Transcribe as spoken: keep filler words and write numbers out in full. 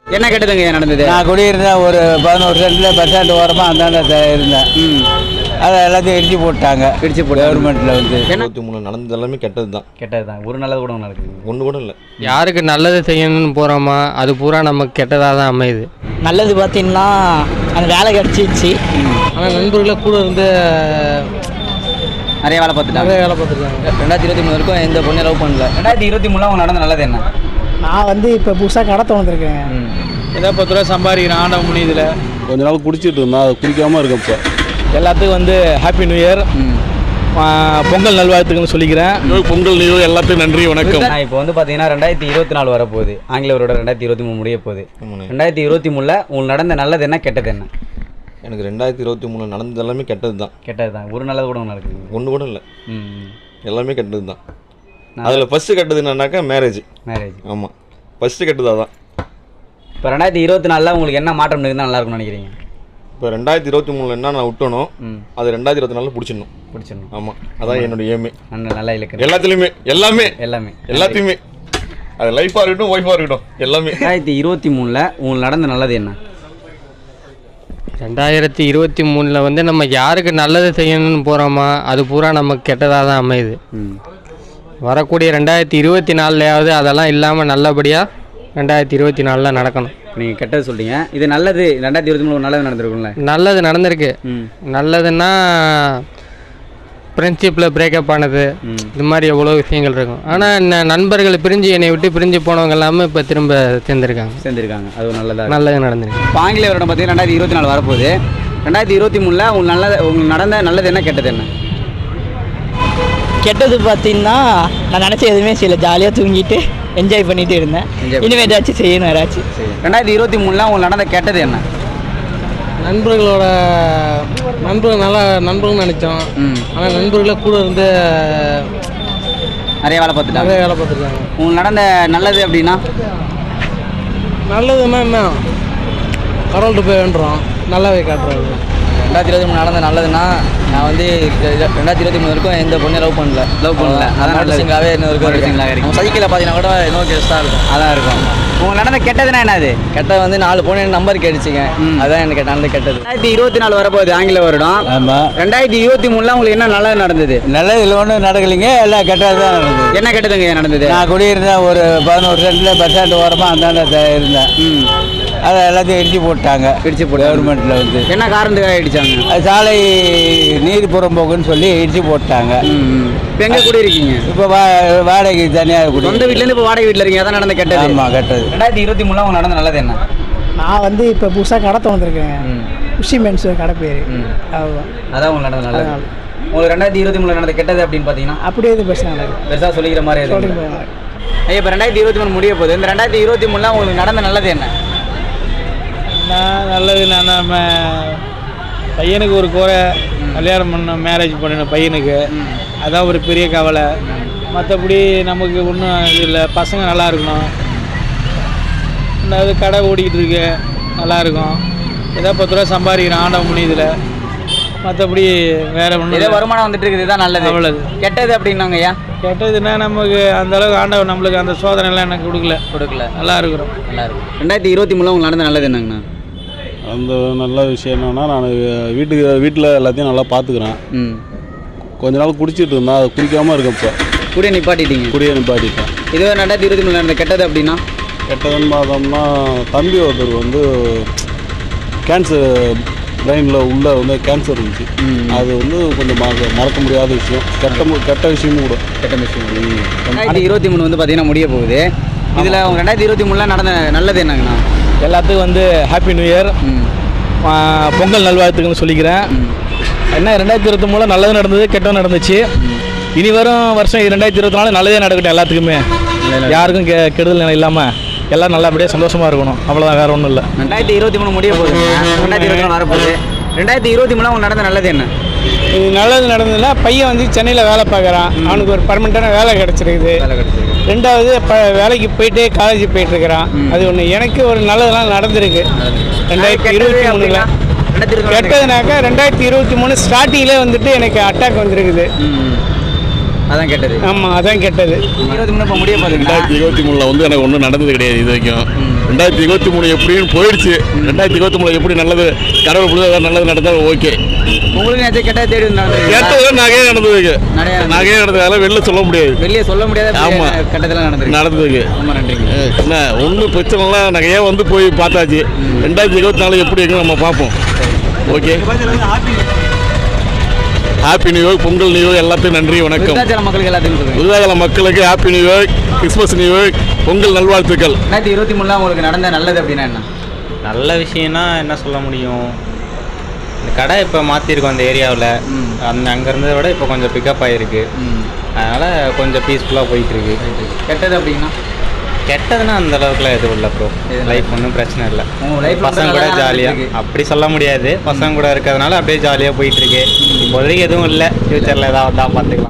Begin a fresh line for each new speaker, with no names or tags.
என்ன கெட்டதுங்க நடந்தது?
நான் குடியிருந்தேன் ஒரு பதினோரு சென்டில் பஸ் ஸ்டாண்ட் ஓரமாக அந்தாண்ட இருந்தேன். ம் அதை எல்லாத்தையும் இடிச்சு போட்டாங்க. இடிச்சு போட்டு கவர்மெண்ட்டில் வந்து
இருபத்தி மூணு நடந்தது எல்லாமே கெட்டது தான்.
கெட்டது தான். ஒரு நல்லது கூட நடக்குது?
ஒன்று கூட இல்லை.
யாருக்கு நல்லது செய்யணும்னு போகிறோமா அது பூரா நமக்கு கெட்டதாக தான் அமையுது.
நல்லது பார்த்தீங்கன்னா அந்த வேலை கிடச்சிச்சு.
ஆனால் நண்பர்களை கூட இருந்து
நிறைய வேலை பார்த்துட்டாங்க.
நிறைய வேலை பார்த்துருக்காங்க.
ரெண்டாயிரத்தி இருபத்தி மூணு வரைக்கும் எந்த பொண்ணு லவ் பண்ணல. ரெண்டாயிரத்தி இருபத்தி மூணுல அவங்க நடந்த நல்லது என்ன?
நான் வந்து இப்போ புதுசாக கடை திறந்துருக்கேன்.
ஏதோ பத்து ரூபா சம்பாதிக்கிறேன் ஆண்டவ முடியுதுல.
கொஞ்ச நாள் குடிச்சிட்டு இருந்தா அது குடிக்காமல் இருக்கும். இப்போ
எல்லாத்துக்கும் வந்து ஹாப்பி நியூ இயர், பொங்கல் நல்வாழ்த்துக்கள்னு சொல்லிக்கிறேன்.
பொங்கல் நியூ இயர் எல்லாத்துக்கும் நன்றி வணக்கம்.
இப்போ வந்து பார்த்தீங்கன்னா ரெண்டாயிரத்தி இருபத்தி நாலு வரப்போகுது. ஆங்கிலவரோட ரெண்டாயிரத்தி இருபத்தி மூணு முடிய போகுது. ரெண்டாயிரத்தி இருபத்தி மூணில் உங்களுக்கு நடந்த நல்லது என்ன கெட்டது என்ன?
எனக்கு ரெண்டாயிரத்தி இருபத்தி மூணு நடந்தது எல்லாமே கெட்டது தான்.
கெட்டது தான். ஒரு நல்லது கூட நடக்குது?
ஒன்று கூட இல்லை.
ம்
எல்லாமே கெட்டது தான். அதில் ஃபஸ்ட்டு கெட்டது என்னன்னாக்கா மேரேஜ்.
மேரேஜ்
ஆமாம், ஃபஸ்ட்டு கெட்டது அதான்.
இப்போ ரெண்டாயிரத்தி இருபத்தி நாலில் உங்களுக்கு என்ன மாற்றம் இருக்குதுன்னு நல்லா இருக்கும்னு நினைக்கிறீங்க?
இப்போ ரெண்டாயிரத்தி இருபத்தி மூணில் என்ன நான் விட்டணும் அது ரெண்டாயிரத்தி இருபத்தி நாலில் பிடிச்சிடணும்.
பிடிச்சிடணும்.
ஆமாம், அதான் என்னோட ஏமே.
நல்ல நல்லா இலக்கு
எல்லாத்துலேயுமே எல்லாமே
எல்லாமே
எல்லாத்தையுமே அது லைஃபாக இருக்கட்டும் ஒய்ஃபாக இருக்கட்டும் எல்லாமே.
ரெண்டாயிரத்தி இருபத்தி மூணில் உங்களுக்கு நடந்த நல்லது என்ன?
ரெண்டாயிரத்தி இருபத்தி மூணில் வந்து நம்ம யாருக்கு நல்லது செய்யணும்னு போகிறோமா அது பூரா நமக்கு கெட்டதாக தான் அமையுது. வரக்கூடிய ரெண்டாயிரத்தி இருபத்தி நாலுலையாவது அதெல்லாம் இல்லாமல் நல்லபடியாக ரெண்டாயிரத்தி இருபத்தி நாலில் நடக்கணும்.
நீங்கள் கெட்டது சொல்கிறீங்க, இது நல்லது. ரெண்டாயிரத்தி இருபத்தி மூணு நல்லது நடந்திருக்கும்ல?
நல்லது நடந்திருக்கு. நல்லதுன்னா ஃப்ரெண்ட்ஷிப்பில் பிரேக்கப் ஆனது, இது மாதிரி எவ்வளோ விஷயங்கள் இருக்கும். ஆனால் நண்பர்கள் பிரிஞ்சு என்னை விட்டு பிரிஞ்சு போனவங்க எல்லாமே இப்போ திரும்ப சேர்ந்துருக்காங்க
சேர்ந்துருக்காங்க அது ஒரு நல்லதாக
நல்லது நடந்திருக்கு.
இப்போ ஆங்கில வருடம் பார்த்தீங்கன்னா ரெண்டாயிரத்தி இருபத்தி நாலு வரப்போகுது. ரெண்டாயிரத்தி இருபத்தி மூணில் உங்களுக்கு நல்லது உங்களுக்கு நடந்த நல்லது என்ன கெட்டது என்ன?
கெட்டது பார்த்தீங்கன்னா நான் நினச்ச எதுவுமே செய்யலை, ஜாலியாக தூங்கிட்டு என்ஜாய் பண்ணிட்டு இருந்தேன். இனிமேல் ஏதாச்சும் செய்யணும் யாராச்சும்.
ரெண்டாயிரத்தி இருபத்தி மூணில் உங்களுக்கு நடந்த கெட்டது என்ன?
நண்பர்களோட நண்பர்கள் நல்லா நண்பர்கள் நினச்சோம். ஆனால் நண்பர்களை கூட இருந்து
நிறைய வேலை பார்த்துட்டாங்க.
நிறைய வேலை பார்த்துருக்காங்க.
உங்களுக்கு நடந்த நல்லது அப்படின்னா?
நல்லதுன்னா என்ன, கடவுள்கிட்ட போய் வேண்டுறோம், நல்லாவே காட்டுறாரு.
ரெண்டாயிரத்தி இருபத்தி மூணு நடந்த நல்லதுன்னா நான் வந்து ரெண்டாயிரத்தி இருபத்தி மூணு வரைக்கும் எந்த பொண்ணு லவ் பண்ணல. லவ் பண்ணல அதான் சிங்காகவே இன்னொரு சிங்களாக இருக்கும். சைக்கிளில் பார்த்தீங்கன்னா கூட இன்னொரு கெஸ்ட்டாக இருக்கும். அதான் இருக்கும். உங்களுக்கு நடந்த கெட்டதுன்னா என்னது? கெட்டது வந்து நாலு பொண்ணு எனக்கு நம்பர் கேட்டுச்சிங்க. அதுதான் எனக்கு நடந்த கெட்டது. ரெண்டாயிரத்தி இருபத்தி நாலு வரப்போகுது ஆங்கில வருடம்.
ஆமாம்.
ரெண்டாயிரத்தி இருபத்தி மூணுல உங்களுக்கு என்ன நல்லது நடந்தது?
நல்லது இல்லை ஒன்றும் நடக்கலைங்க, எல்லாம் கெட்டது தான் நடந்தது.
என்ன கெட்டதுங்க நடந்தது?
நான் குடியிருந்தேன் ஒரு பதினோரு சென்டில் பஸ் ஸ்டாண்ட் ஓரமாக அந்தாண்ட இருந்தேன். ம் அதை எல்லாத்தையும் இடிச்சு போட்டாங்க. இடிச்சு போட்டு கவர்மெண்ட்டில் வந்து
என்ன காரணத்துக்காக இடிச்சாங்க?
அது சாலை நீர் புறம்போக்குன்னு சொல்லி இடிச்சு போட்டாங்க.
இப்போ எங்கே குடியிருக்கீங்க?
இப்போ வா வாடகைக்கு தனியாக குடி.
சொந்த வீட்டிலேருந்து இப்போ வாடகை வீட்டில் இருக்கீங்க, அதான் நடந்த கெட்டது.
ஆமாம் கெட்டது.
ரெண்டாயிரத்தி இருபத்தி மூணுல அவங்க நடந்த நல்லது என்ன?
நான் வந்து இப்போ புதுசாக கடை திறந்துருக்கேன். உஷி மென்ஸ் கடை பேர். அதுதான்
அதான் உங்களுக்கு நடந்த நல்லது. உங்களுக்கு ரெண்டாயிரத்தி இருபத்தி மூணுல நடந்த கெட்டது அப்படின்னு பார்த்தீங்கன்னா
அப்படியே இது பிரச்சனை நடக்குது.
பெருசாக சொல்லிக்கிற மாதிரி எதுவும்? ஐயா இப்போ ரெண்டாயிரத்தி இருபத்தி மூணு முடிய போகுது. இந்த ரெண்டாயிரத்தி இருபத்தி மூணுல உங்களுக்கு நடந்த நல்லது என்ன?
நான் நல்லது நான் நம்ம பையனுக்கு ஒரு குறை, கல்யாணம் பண்ண மேரேஜ் பண்ணணும் பையனுக்கு, அதான் ஒரு பெரிய கவலை. மற்றபடி நமக்கு ஒன்றும் இது இல்லை. பசங்க நல்லா இருக்கணும், ரெண்டாவது கடை ஓடிக்கிட்டு இருக்கு நல்லா இருக்கும். ஏதோ பத்து ரூபா சம்பாதிக்கிறேன் ஆண்டவ முடியுதுல. மற்றபடி வேற ஒன்றும்
ஏதோ வருமானம் வந்துட்டு இருக்குது, இதுதான் நல்லது.
அவ்வளவு.
கெட்டது அப்படின்னாங்க ஐயா?
கெட்டதுன்னா நமக்கு அந்த அளவுக்கு ஆண்டவன் நம்மளுக்கு அந்த சோதனை எல்லாம் எனக்கு கொடுக்கல
கொடுக்கல
நல்லா இருக்கிறோம்.
நல்லா இருக்கும். ரெண்டாயிரத்தி இருபத்தி மூணுல உங்களுக்கு நடந்த நல்லது என்னங்கண்ணா?
அந்த நல்ல விஷயம் என்னன்னா நான் வீட்டுக்கு வீட்டில் எல்லாத்தையும் நல்லா பார்த்துக்கிறேன்.
ம்
கொஞ்ச நாள் குடிச்சிட்டு இருந்தா அது குடிக்காமல் இருக்கும். இப்போ
கூடிய நிப்பாட்டிட்டீங்க?
குடியை நிப்பாட்டிட்டேன்.
இதுவே ரெண்டாயிரத்தி இருபத்தி மூணு நடந்த கெட்டது அப்படின்னா?
கெட்டதுன்னு பார்த்தோம்னா தம்பி ஒருத்தர் வந்து கேன்சர் பிரெயினில் உள்ள வந்து கேன்சர் இருந்துச்சு. அது வந்து கொஞ்சம் மறக்க மறக்க முடியாத விஷயம், கெட்ட கெட்ட விஷயமும் கூட.
கெட்ட விஷயம். ரெண்டாயிரத்தி இருபத்தி மூணு வந்து பார்த்தீங்கன்னா முடிய போகுது. இதில் அவங்க ரெண்டாயிரத்தி இருபத்தி மூணுல நடந்த நல்லது என்னங்கண்ணா?
எல்லாத்துக்கும் வந்து ஹாப்பி நியூ இயர், பொங்கல் நல்வாழ்த்துக்கள்னு சொல்லிக்கிறேன். என்ன ரெண்டாயிரத்தி இருபத்தி மூணுல நல்லது நடந்தது, கெட்டது நடந்துச்சு. இனி வரும் வருஷம் ரெண்டாயிரத்தி இருபத்தி நாலு நல்லதே நடக்கட்டும் எல்லாத்துக்குமே. யாருக்கும் கெ கெடுதல் இல்லாமல் எல்லாம் நல்லபடியாக சந்தோஷமாக இருக்கணும், அவ்வளோதான், வேறு ஒன்றும் இல்லை.
ரெண்டாயிரத்தி இருபத்தி மூணு முடிய போகுது, ரெண்டாயிரத்தி இருபத்தி நாலு வரப்போகுது. ரெண்டாயிரத்தி இருபத்தி மூணு அவங்க நடந்த நல்லது என்ன?
இது நல்லது நடந்ததுன்னா பையன் வந்து சென்னையில் வேலை பார்க்குறான், அவனுக்கு ஒரு பர்மனெண்ட்டான வேலை கிடச்சிருக்குது. ரெண்டாவது ப வேலைக்கு போயிட்டு காலேஜ் போயிட்டுருக்கிறான், அது ஒன்று. எனக்கு ஒரு நல்லதெல்லாம் நடந்திருக்கு ரெண்டாயிரத்தி இருபத்தி மூணுல. கெட்டதுனாக்கா ரெண்டாயிரத்தி இருபத்தி மூணு ஸ்டார்டிங்கில் வந்துட்டு எனக்கு அட்டாக் வந்துருக்குது,
அதான் கெட்டது.
ஆமாம் அதான் கெட்டது.
இருபத்தி மூணு இப்போ முடிய போகுது.
ரெண்டாயிரத்தி இருபத்தி மூணில் வந்து எனக்கு ஒன்றும் நடந்தது கிடையாது இது வரைக்கும். ரெண்டாயிரத்தி இருபத்தி மூணு எப்படின்னு போயிடுச்சு. ரெண்டாயிரத்தி இருபத்தி மூணு எப்படி நல்லது கடவுள் புரிதா நல்லது நடந்தாலும் ஓகே.
உங்களுக்கு நேற்று கெட்டது தேடி வந்து
கேட்டது நகையே நடந்ததுக்கு
நிறைய
நகையே நடந்ததால வெளில சொல்ல முடியாது.
வெளியே சொல்ல முடியாத
ஆமா.
கட்டத்தில் நடந்தது
நடந்ததுக்கு
ரொம்ப நன்றிங்க.
என்ன ஒன்றும் பிரச்சனைலாம் நகையே வந்து போய் பார்த்தாச்சு. ரெண்டாயிரத்தி இருபத்தி நாலு எப்படி இருக்குன்னு நம்ம பார்ப்போம். Okay, happy new year, Pongal new year, எல்லாத்தையும் நன்றி வணக்கம்.
விருத்தாச்சலம் மக்களுக்கு எல்லாத்துக்கும் சொல்லுங்க.
விருதாச்சலம் மக்களுக்கு happy new year, Christmas new year, Pongal நல்வாழ்த்துக்கள்.
ரெண்டாயிரத்தி இருபத்தி மூணுல உங்களுக்கு நடந்த நல்லது அப்படின்னா என்ன?
நல்ல விஷயம்னா என்ன சொல்ல முடியும், இந்த கடை இப்போ மாற்றிருக்கோம் அந்த ஏரியாவில். அந்த அங்கே இருந்ததை விட இப்போ கொஞ்சம் பிக்கப் ஆகிருக்கு. அதனால் கொஞ்சம் பீஸ்ஃபுல்லாக போயிட்டுருக்கு.
கெட்டது அப்படின்னா
கெட்டதுன்னா அந்த அளவுக்குலாம் எதுவும் இல்லை ப்ரோ. லைஃப் ஒன்றும் பிரச்சனை இல்லை. பசங்க கூட ஜாலியாக அப்படி சொல்ல முடியாது. பசங்க கூட இருக்கிறதுனால அப்படியே ஜாலியாக போயிட்டுருக்கு. இப்போதைக்கு எதுவும் இல்லை. ஃப்யூச்சரில் ஏதாவது தான் பார்த்துக்கலாம்.